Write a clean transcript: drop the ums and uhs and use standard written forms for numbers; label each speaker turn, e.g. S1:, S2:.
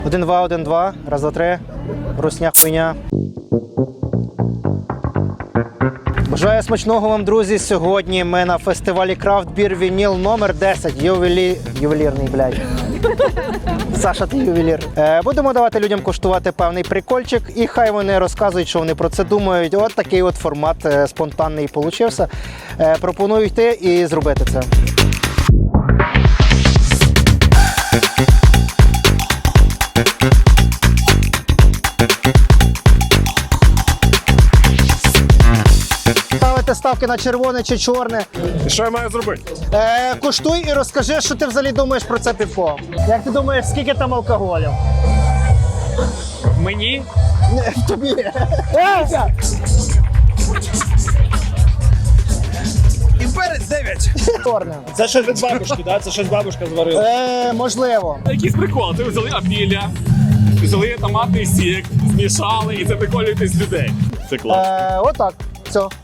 S1: 1-2, 1-2. Раз, два, три. Русня хуйня. Бажаю смачного вам, друзі. Сьогодні ми на фестивалі Craft Beer Vinyl номер 10. Ювелірний, блядь. Саша, ти ювелір. Будемо давати людям коштувати певний прикольчик, і хай вони розказують, що вони про це думають. От такий от формат спонтанний получився. Пропоную йти і зробити це. Ставити ставки на червоне чи чорне.
S2: І що я маю зробити?
S1: Куштуй і розкажи, що ти взагалі думаєш про це пивко. Як ти думаєш, скільки там алкоголю?
S2: Мені?
S1: Тобі.
S2: І перець 9.
S1: Чорне.
S2: Це щось від бабушки, да? Це щось бабушка зварила.
S1: Можливо.
S3: Якийсь прикол, ти взяли апіля, взяли томатний сік, змішали і це приколюєте з людей. Це клас.
S1: Отак. Все.